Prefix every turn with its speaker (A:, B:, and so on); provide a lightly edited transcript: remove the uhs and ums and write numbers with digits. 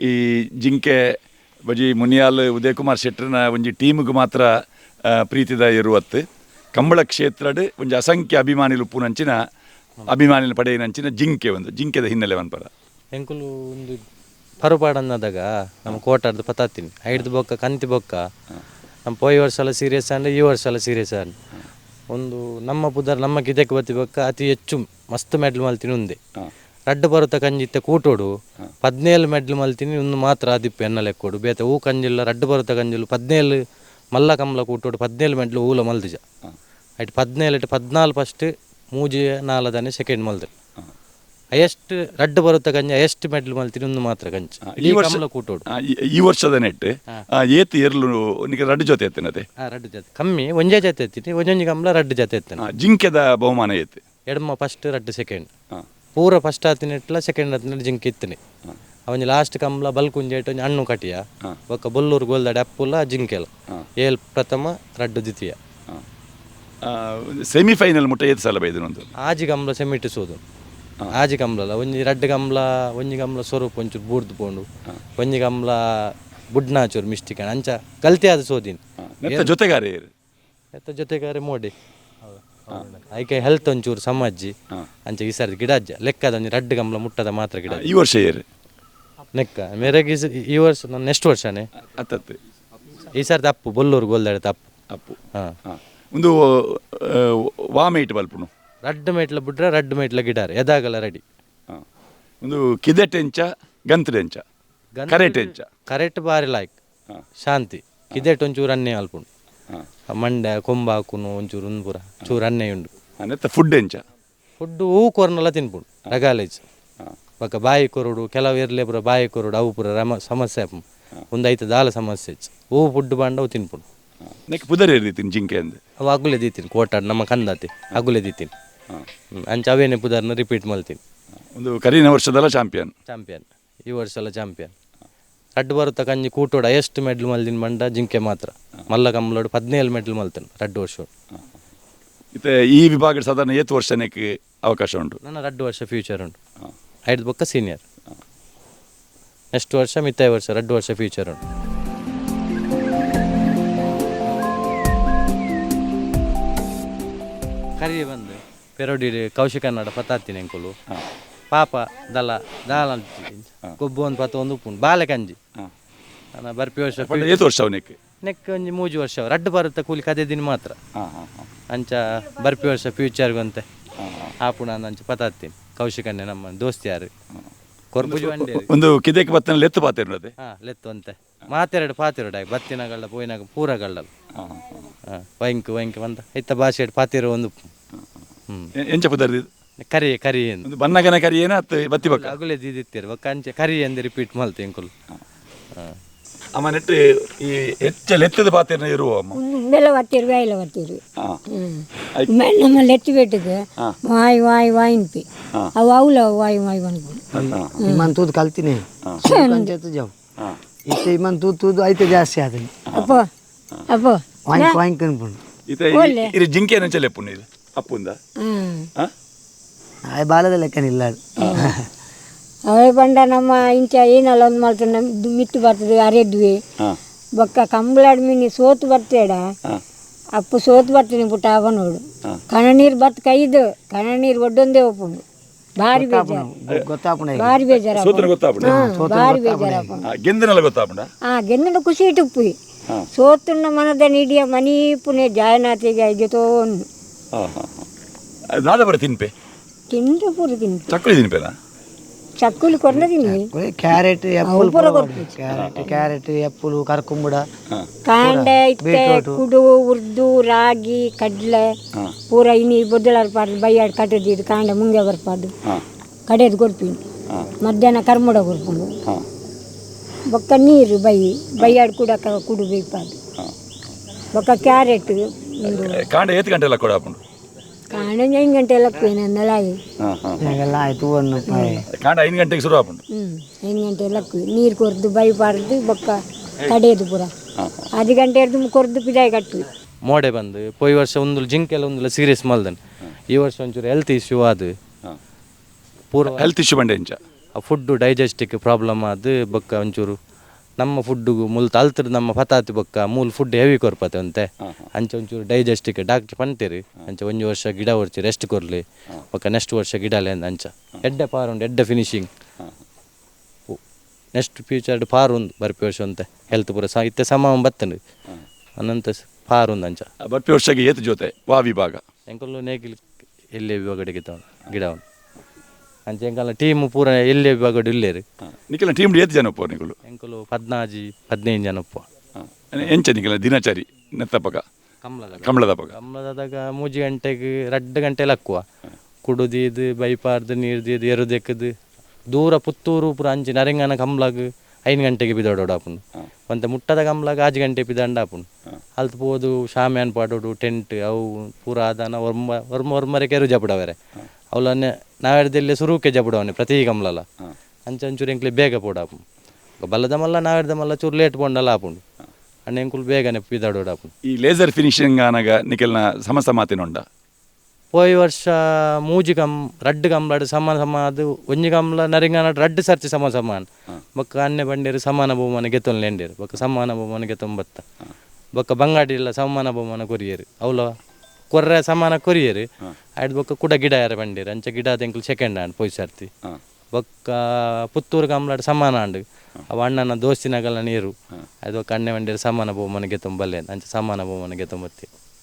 A: ಈ ಜಿಂಕೆ ಬಜಿ ಮುನಿಯಾಲ್ ಉದಯ್ ಕುಮಾರ್ ಶೆಟ್ಟರ್ನ ಒಂಜಿ ಟೀಮ್ಗೆ ಮಾತ್ರ ಪ್ರೀತಿದ ಇರುವತ್ತು ಕಂಬಳ ಕ್ಷೇತ್ರಡ್ ಒಂಜಿ ಅಸಂಖ್ಯ ಅಭಿಮಾನಿಲು ಉಪ್ಪುನಂಚಿನ ಅಭಿಮಾನಿಲು ಪಡೆಯಿನಂಚಿನ ಜಿಂಕೆ ಒಂದು ಜಿಂಕೆದ ಹಿನ್ನೆಲೆ ಅನ್ಪರ
B: ಎಂಕುಲು ಒಂದು ಪರುಪಾಡನ್ನದಾಗ ನಮ್ಮ ಕೋಟಾರ್ದು ಪತಾತೀನಿ ಐಡ್ದು ಬೊಕ್ಕ ಕಂತಿ ಬೊಕ್ಕ ನಮ್ಮ ಪೋಯಿ ವರ್ಷ ಎಲ್ಲ ಸೀರಿಯಸ್ ಅಂದರೆ ಈ ವರ್ಷ ಎಲ್ಲ ಸೀರಿಯಸ್ ಆನ್ ಒಂದು ನಮ್ಮ ಪುದರ್ ನಮ್ಮ ಗಿದಕ್ಕೆ ಬತ್ತಿ ಬೊಕ್ಕ ಅತಿ ಹೆಚ್ಚು ಮಸ್ತ್ ಮೆಡ್ಲ್ ಮಲ್ತೀನಿ ಉಂದೆ ರಡ್ಡು ಬರುತ್ತ ಕಂಜಿತ್ತೆ ಕೂಟೋಡು 17 ಮೆಡ್ಲ್ ಮಲ್ತೀನಿ ಒಂದು ಮಾತ್ರ ಆದಿಪ್ಪು ಎನ್ನ ಲೆಕ್ಕೋಡು ಬೇತೆ ಹೂ ಕಂಜಿಲ್ಲ ರಡ್ಡು ಬರುತ್ತ ಕಂಜಿಲ್ಲ 17 ಮಲ್ಲ ಕಮಲ ಕೂಟೋಡು 17 ಮೆಡ್ಲು ಹೂಲ ಮಲ್ದಿಜ ಐಟ್ 17 14 ಫಸ್ಟ್ ಮೂಜಿ 4 ಸೆಕೆಂಡ್ ಮಲ್ದು ಹೈಯೆಸ್ಟ್ ರಡ್ಡು ಬರುತ್ತ ಗಂಜಿ ಹೈಯೆಸ್ಟ್ ಮೆಡ್ಲ್ ಮಲ್ತೀನಿ ಒಂದು ಮಾತ್ರ ಗಂಜಿ ಈ ವರ್ಷ ಕೂಟೋಡು
A: ಈ ವರ್ಷದ ನೆಟ್ ಏತ್ ಏರ್ಲು ನಿಮಗೆ ರಡ್ಡು ಜೊತೆ ಎತ್ತೇನದೆ
B: ರಡ್ಡು ಜೊತೆ ಕಮ್ಮಿ ಒಂಜೇ ಜೊತೆ ಎತ್ತೀನಿ ಒಂಜೊಂಜಿ ಕಮಲ ರಡ್ಡು ಜೊತೆ ಎತ್ತೇನೆ
A: ಜಿಂಕೆದ ಬಹುಮಾನ ಏತ್
B: ಎಡಮ ಫಸ್ಟ್ ರಡ್ಡು ಸೆಕೆಂಡ್ ಪೂರ ಫಸ್ಟ್ ಆತಿನ ಇಟ್ಲ ಸೆಕೆಂಡ್ ಆತಿನ ಜಿಂಕೆ ಇತ್ತನಿ ಅವನ್ ಲಾಸ್ಟ್ ಕಮಲ ಬಲ್ಕುಂಜೆ ಇಟ್ಟು ಹಣ್ಣು ಕಟಿಯ ಒಕ್ಕ ಬೊಲ್ಲೂರು ಗೋಲ್ದಾಡಿ ಅಪ್ಪುಲ ಜಿಂಕೆಲ ಏಲ್ ಪ್ರಥಮ ರಡ್ಡು ದ್ವಿತೀಯ
A: ಸೆಮಿಫೈನಲ್ ಮುಟ್ಟ ಏತ್ ಸಲ ಬೈದನೊಂದು
B: ಆಜಿ ಕಮಲ ಸೆಮಿಟಿಸೋದು ಆಜಿ ಕಮಲ ಒಂಜಿ ರಡ್ಡು ಕಮಲ ಒಂಜಿ ಕಮಲ ಸ್ವರೂಪ ಒಂಚೂರು ಬೂರ್ದು ಪೋಂಡು ಒಂಜಿ ಕಮಲ ಬುಡ್ನಾಚೂರು ಮಿಸ್ಟಿಕ್ ಅಂಚ ಗಲ್ತಿ ಆದ ಸೋದಿನಿ
A: ಜೊತೆಗಾರ
B: ಜೊತೆಗಾರೆ ಮೋಡಿ ಐಕೆ ಹೆಲ್ತ್ ಒಂಚೂರು ಸಮಾಜಿ ಅಂಚ ಈ ಸರ್ತಿ ಗಿಡ ಅಜ್ಜ ಲೆಕ್ಕದ ಒಂಜಿ ರಡ್ಡು ಕಮಲ ಮುಟ್ಟದ ಮಾತ್ರ ಗಿಡ
A: ಈ ವರ್ಷ ಏರು
B: ನೆಕ್ಕ ಮೇರೆಗೆ ಈ ವರ್ಷ ನಾನು ನೆಕ್ಸ್ಟ್ ವರ್ಷನೇ
A: ಅತ್ತತ್ತು
B: ಈ ಸರ್ತಿ ಅಪ್ಪು ಬೊಲ್ಲೂರು ಗೋಲ್ದಾಡಿ ಅಪ್ಪು
A: ಅಪ್ಪು ಒಂದು ವಾಮೇಟ್ ಬಲ್ಪುನು
B: ರಡ್ಡು ಮೇಟ್ಲ ಬಿಟ್ರೆ ರಡ್ಡು ಮೇಟ್ಲ ಗಿಡಾರೆ ಎದಾಗಲ್ಲ ರೆಡಿ
A: ಒಂದು ಕಿದೆಟೆಂಚ ಗಂತಡೆಂಚ ಕರೆಟೆಂಚ
B: ಕರೆಕ್ಟ್ ಬಾರಿ ಲಾಯ್ಕ್ ಶಾಂತಿ ಕಿದೆಟ್ ಒಂಚೂರು ಅನ್ನೆ ಅಲ್ಪುಂಡು ಮಂಡ್ಯ ಕೊಂಬಾಕುನು ಒಂಚೂರು ಉಂದ್ಪುರ ಚೂರು ಅನ್ನೆ ಉಂಡು
A: ನೆತ್ತ ಫುಡ್ ಎಂಚ
B: ಫುಡ್ಡು ಹೂ ಕೊರ್ನೆಲ್ಲ ತಿನ್ಪುಂಡು ರಗಾಲೇಜ್ ಬೊಕ್ಕ ಬಾಯಿ ಕೊರುಡು ಕೆಲವು ಇರ್ಲೇ ಪುರ ಬಾಯಿ ಕೊರುಡು ಅವು ಪುರ ಸಮಸ್ಯೆ ಒಂದು ಐತೆ ದಾಲ ಸಮಸ್ಯೆ ಹೂ ಫುಡ್ ಬಾಂಡ ಅವು ತಿನ್ಪುಂಡು
A: ನೆಕ್ ಪುದರ್ ಇರ್ದೀತೀನಿ ಜಿಂಕೆ ಅಂದೆ
B: ಅವು ಅಗುಲೆ ದೀತೀನಿ ಕೋಟಾಡ್ ನಮ್ಮ ಕಂದಾತಿ ಅಗುಲೆ ದೀತೀನಿ ಅಂಚ ಅವೇನೆ ಪುದರ್ನ ರಿಪೀಟ್ ಮಲ್ತೀನಿ
A: ಒಂದು ಕರಿನ ವರ್ಷದಲ್ಲ ಚಾಂಪಿಯನ್
B: ಈ ವರ್ಷ ಎಲ್ಲ ಚಾಂಪಿಯನ್ ರಡ್ಡು ಬರುತ್ತಾ ಕಂಜಿ ಕೂಟೋಡು ಹೈಯೆಸ್ಟ್ ಮೆಡ್ಲ್ ಮಲ್ದಿನ ಮಂಡ ಜಿಂಕೆ ಮಾತ್ರ ಮಲ್ಲ ಕಮ್ಮಲೋಡು 17 ಮೆಡ್ಲ್ ಮಲ್ತೇನೆ ರಡ್ಡು ವರ್ಷ
A: ಮತ್ತೆ ಈ ವಿಭಾಗದ ಸಾಧಾರಣ ಏತ್ ವರ್ಷಕ್ಕೆ ಅವಕಾಶ ಉಂಟು
B: ನನ್ನ ರಡ್ಡು ವರ್ಷ ಫ್ಯೂಚರ್ ಉಂಟು ಐದು ಬೊಕ್ಕ ಸೀನಿಯರ್ ನೆಕ್ಸ್ಟ್ ವರ್ಷ ಮಿತ್ತಾಯ ವರ್ಷ ರಡ್ಡು ವರ್ಷ ಫ್ಯೂಚರ್ ಉಂಟು ಕರಿ ಬಂದು ಪೆರೋಡಿ ಕೌಶಿಕ ಕನ್ನಡ ಪತ್ತಾತಿನಿ ಅಂಕುಲು ಪಾಪ ದಲ ದಾಲ ಕೊಬ್ಬು ಒಂದು ಪತ್ತು ಒಂದು ಉಪ್ಪುಂಡು ಬಾಲೆ ಕಂಜಿ ನಾನು ಬರ್ಪಿ ವರ್ಷ
A: ಏತ್ ವರ್ಷ ಅವನಿಗೆ
B: ನೆಕ್ ಒಂಜಿ ಮೂಜಿ ವರ್ಷ ರಡ್ಡು ಬರುತ್ತೆ ಕೂಲಿ ಕದೇ ದಿನ ಮಾತ್ರ ಅಂಚ ಬರ್ಪಿ ವರ್ಷ ಫ್ಯೂಚರ್ಗಂತೆ ಆಪುಣ ಅಂಚ ಪತ್ತಾತೀನಿ ಕೌಶಿಕನ್ನೇ ನಮ್ಮ ದೋಸ್ತಿ ಯಾರು ಕೊರ್ಬುಜಿ ಬಂಡಿ
A: ಒಂದು ಕಿದೆಕ್ ಬತ್ತನ ಲೆತ್ತು ಪಾತಿರೋದೆ
B: ಲೆತ್ತು ಅಂತೆ ಮಾತೆರಡು ಪಾತಿರೋಡು ಆಗಿ ಬತ್ತಿನಗಳ್ಳ ಪೋಯಿನಾಗ ಪೂರಗಳ್ಳಲ್ಲ ವೈಂಕ್ ಬಂದ ಐತ ಭಾಷೆ ಪಾತಿರೋ ಒಂದು
A: ಎಂಚ ಪುದರ್
B: ಕರಿ
A: ಒಂದು ಬನ್ನಗನ ಕರಿ ಏನ ಬತ್ತಿ ಬಕ್ಕ
B: ಅಗುಲೆ ದಿತ್ತಿರು ಬಕ್ಕ ಅಂಚೆ ಕರಿ ಎಂದು ರಿಪೀಟ್ ಮಲ್ತೆ ಎಂಕುಲು
A: ಅಮ್ಮ ನೆಟ್ಟು ಈ ಹೆಚ್ಚ ಲೆತ್ತದ ಪಾತಿರ ಇರುವ ಅಮ್ಮ
C: ಬೆಲ್ಲ ಬತ್ತಿರು ಬೇಯಿಲ ಬತ್ತಿರು ನಮ್ಮ ಲೆತ್ತಿ ಬೆಟ್ಟಿಗೆ ವಾಯ್ ವಾಯಿನ್ಪಿ ಅವು ಅವಲ ವಾಯ್ ಅನ್ಕೊಂಡು
D: ಇಮನ್ ತೂದು ಕಲ್ತೀನಿ ಜಾವ್ ಇತ್ತೆ ಇಮನ್ ತೂದು ಐತೆ ಜಾಸ್ತಿ ಆದನಿ
C: ಅಪ್ಪ
D: ವಾಯಿಂಕ್ ಅನ್ಕೊಂಡು
A: ಇದು ಜಿಂಕೆ ಏನಂಚ ಲೆಪ್ಪು ಇದು ಅಪ್ಪುಂದ
D: ಆಯ್ ಬಾಲದ ಲೆಕ್ಕನಿಲ್ಲ ಅದು
C: ಅವೇ ಬಂಡ ನಮ್ಮ ಇಂಚ ಏನಲ್ಲ ಒಂದು ಮಾಡ್ತಾರೆ ಮಿತ್ತು ಬರ್ತದೆ ಅರೆದ್ವಿ ಬೊಕ್ಕ ಕಂಬಳಾಡ್ ಮೀನಿ ಸೋತು ಬರ್ತೇಡ ಅಪ್ಪು ಸೋತು ಬರ್ತೀನಿ ಪುಟ್ಟ ಅವ ನೋಡು ಕಣ ನೀರು ಬತ್ ಕೈದು ಕಣ ನೀರು ಒಡ್ಡೊಂದೇ ಒಪ್ಪುಂಡು ಭಾರಿ ಬೇಜಾರು ಭಾರಿ ಬೇಜಾರಪ್ಪ ಭಾರಿ ಬೇಜಾರಪ್ಪ
A: ಗೆಂದನೆಲ್ಲ ಗೊತ್ತಾಪುಂಡ
C: ಗೆಂದನ ಖುಷಿ ಇಟ್ಟುಪ್ಪು ಸೋತುನ್ನ ಮನದ ನಿಡಿಯ ಮನಿ ಪುಣೆ ಜಾಯನಾಥಿಗೆ ಐದೋನು
A: ನಾದ ಬರ ತಿನ್ಪೆ
C: ತಿಂದು ಪೂರ ತಿನ್ಪೆ
A: ಚಕ್ಕುಲಿ ತಿನ್ಪೆನಾ
C: ಚಕ್ಕುಲಿ ಕೊರ್ನ ತಿನ್ನಿ
D: ಕ್ಯಾರೆಟ್ ಎಪ್ಪುಲು ಕರ್ಕುಂಬುಡ
C: ಕಾಂಡೆ ಇತ್ತೆ ಕುಡು ಉರ್ದು ರಾಗಿ ಕಡ್ಲೆ ಪೂರ ಇನಿ ಬೊದ್ದಲಾರ ಪಾಡ್ದು ಬೈಯಾಡ್ ಕಟ್ಟದಿದ್ದು ಕಾಂಡೆ ಮುಂಗೆ ಬರ್ಪಾಡು ಕಡೆದು ಕೊರ್ಪಿನಿ ಮಧ್ಯಾಹ್ನ ಕರ್ಮುಡ ಕೊರ್ಪುಂಡು ಬೊಕ್ಕ ನೀರು ಬೈಯಾಡ್ ಕುಡು ಬೇಯ್ಪಾಡು ಬೊಕ್ಕ ಕ್ಯಾರೆಟ್
A: ಕಾಂಡೆ ಏತ್ ಗಂಟೆ ಎಲ್ಲ ಕೊಡಾಪುಂಡು
C: ಕಾಂಡೆ 5 ಗಂಟೆ ಎಲ್ಲ ನೆಲಾಯಿ
D: ಆಯ್ತು
A: ಕಾಂಡ 5 ಗಂಟೆಗೆ ಶುರು ಆಪುಂಡು
C: 5 ಗಂಟೆ ಎಲ್ಲ ನೀರು ಕೊರ್ದು ಬೈಪಾಡ್ದು ಬೊಕ್ಕ ಕಡೆಯದು ಪೂರ 10 ಗಂಟೆ ಹಿಡ್ದು ಕೊರ್ದು ಪಿದಾಯಿ ಕಟ್ವಿ
B: ಮೋಡೆ ಬಂದು ಪೋಯಿ ವರ್ಷ ಒಂದು ಜಿಂಕೆಲ್ಲ ಒಂದಿಲ್ಲ ಸೀರಿಯಸ್ ಮಲ್ದನ್ ಈ ವರ್ಷ ಒಂಚೂರು ಹೆಲ್ತ್ ಇಶ್ಯೂ ಅದು
A: ಪೂರ ಹೆಲ್ತ್ ಇಶ್ಯೂ ಬಂಡೆ ಇಂಚ
B: ಆ ಫುಡ್ಡು ಡೈಜೆಸ್ಟಿಕ್ ಪ್ರಾಬ್ಲಮ್ ಅದು ಬೊಕ್ಕ ಒಂಚೂರು ನಮ್ಮ ಫುಡ್ಡುಗು ಮುಲ್ ತಲ್ತರು ನಮ್ಮ ಪತಾತಿ ಬೊಕ್ಕ ಮೂಲ ಫುಡ್ ಹೆವಿ ಕೊರ್ಪತೆ ಅಂತೆ ಅಂಚೆ ಒಂಚೂರು ಡೈಜೆಸ್ಟಿಕ್ ಡಾಕ್ಟರ್ ಪಂತೇರಿ ಅಂಚೆ 1 ವರ್ಷ ಗಿಡ ಹೊರ್ಚಿ ರೆಸ್ಟ್ ಕೊರ್ಲಿ ಬೊಕ್ಕ ನೆಕ್ಸ್ಟ್ ವರ್ಷ ಗಿಡಲೆ ಅಂಚ ಎಡ್ಡೆ ಪಾರು ಉಂಡು ಎಡ್ಡೆ ಫಿನಿಶಿಂಗ್ ನೆಕ್ಸ್ಟ್ ಫ್ಯೂಚರ್ ಪಾರು ಉಂದು ಬರ್ಪಿ ವರ್ಷ ಅಂತೆ ಹೆಲ್ತ್ ಪೂರ ಇತ್ತೆ ಸಮ ಬತ್ತಂಡು ಅನಂತ ಪಾರು ಉಂದು ಅಂಚ
A: ಬರ್ಪಿ ವರ್ಷಗೆ ಏತು ಜೊತೆ ವಾ ವಿಭಾಗ
B: ಎಂಕಲ್ಲು ನೇಗಿಲ್ ಎಲ್ಲೇ ವಿಭಾಗಡಿಗೆ ಗಿಡ ಉಂಡು ಅಂಚೆ ಎಂಕಲ್ಲ ಟೀಮ್ ಪೂರ ಎಲ್ಲೇ ವಿಭಾಗಡು ಇಲ್ಲೇರು
A: ನಿಖಿಲ ಟೀಮ್ ಏತು ಜನ ಒಪ್ಪು ನಿಖಲು
B: ಎಂಕಲು 14-15 ಜನ ಒಪ್ಪ
A: ಎಂಚ ನಿಖಿಲ ದಿನಚರಿ ನೆತ್ತಪಗ ಕಮಲದಪಗ
B: ಕಮಲದಾಗ 3 ಗಂಟೆಗೆ 2 ಗಂಟೆಲಿ ಹಾಕುವ ಕುಡುದಿದ್ದು ಬೈಪಾರ್ದು ನೀರ್ದಿದ್ದು ಎರುದೆಕ್ಕದು ದೂರ ಪುತ್ತೂರು ಪೂರ ಅಂಚಿ ನರೆಂಗನ ಕಮ್ಲಾಗ 5 ಗಂಟೆಗೆ ಬಿದೋಡಾಪುಂಡು ಮತ್ತೆ ಮುಟ್ಟದ ಕಮ್ಲಾಗ 5 ಗಂಟೆ ಬಿದಂಡಾಪುಂಡು ಅಲ್ತು ಪೋದು ಶಾಮ್ಯಾನ್ ಪಾಡೋಡು ಟೆಂಟ್ ಅವು ಪೂರ ಆದಾನ ಒರ್ಮರೆ ಕೆರು ಜಪಡವರೆ ಅವಲನ್ನೇ ನಾವೆಡ್ದಲ್ಲಿ ಸುರುಕೆ ಜಪಡವನೆ ಪ್ರತಿ ಕಮ್ಲಲ್ಲ ಅಂಚೂರು ಎಂಕ್ಲಿ ಬೇಗ ಪೋಡಾಪು ಬಲ್ಲದ ಮಲ್ಲ ನಾವೆಡ್ದ ಮಲ್ಲ ಚೂರು ಲೇಟ್ ಪೋಂಡಲ್ಲ ಆಪುಂಡು ಅಣ್ಣ ಎಂಕುಲು ಬೇಗನೆ ಬಿದಾಡೋಡಾಪುಂಡು
A: ಈ ಲೇಸರ್ ಫಿನಿಶಿಂಗ್ ಆನಾಗ ನಿಖಲ್ನ ಸಮಸ್ತ ಮಾತಿನುಂಡ
B: ಹೋಯ್ ವರ್ಷ 3 2 ಕಮ್ಲಾಡು ಸಮ ಅದು 1 ಕಮ್ಲ ನರಿಂಗಾನ 2 ಸರ್ತಿ ಸಮಾನ ಬೊಕ್ಕ ಅನ್ನೆ ಬಂಡೇರು ಸಮಾನ ಬಹುಮಾನ ಗೆತ್ತೊಂದು ಎಂಡೇರು ಬೊಕ್ಕ ಸಮಾನ ಬಹುಮಾನ ಗೆತ್ತೊಂಬತ್ತ ಬೊಕ್ಕ ಬಂಗಾಡಿ ಇಲ್ಲ ಸಮಾನ ಬಹುಮಾನ ಕೊರಿಯರು ಅವಲ ಕೊರ್ರೆ ಸಮಾನ ಕೊರಿಯರು ಆಯ್ತು ಬೊಕ್ಕ ಕೂಡ ಗಿಡ ಯಾರ ಬಂಡೇರು ಅಂಚೆ ಗಿಡ ತೆಂಕಲು ಸೆಕೆಂಡ್ ಹ್ಯಾಂಡ್ ಪೋಯ್ ಸರ್ತಿ ಬೊಕ್ಕ ಪುತ್ತೂರು ಕಮ್ಲಾಡು ಸಮಾನ ಹಂಡು ಅವ ಅಣ್ಣನ ದೋಸ್ತಿನಾಗಲ್ಲ ನೀರು ಅದು ಬೊಕ್ಕ ಅನ್ನೆ ಬಂಡೇರು ಸಮಾನ ಬಹುಮಾನ ಗೆತ್ತೊಂಬಲ್ಲೆ ಅಂಚೆ ಸಮಾನ ಬಹುಮಾನ ಗೆತ್ತೊಂಬತ್ತಿ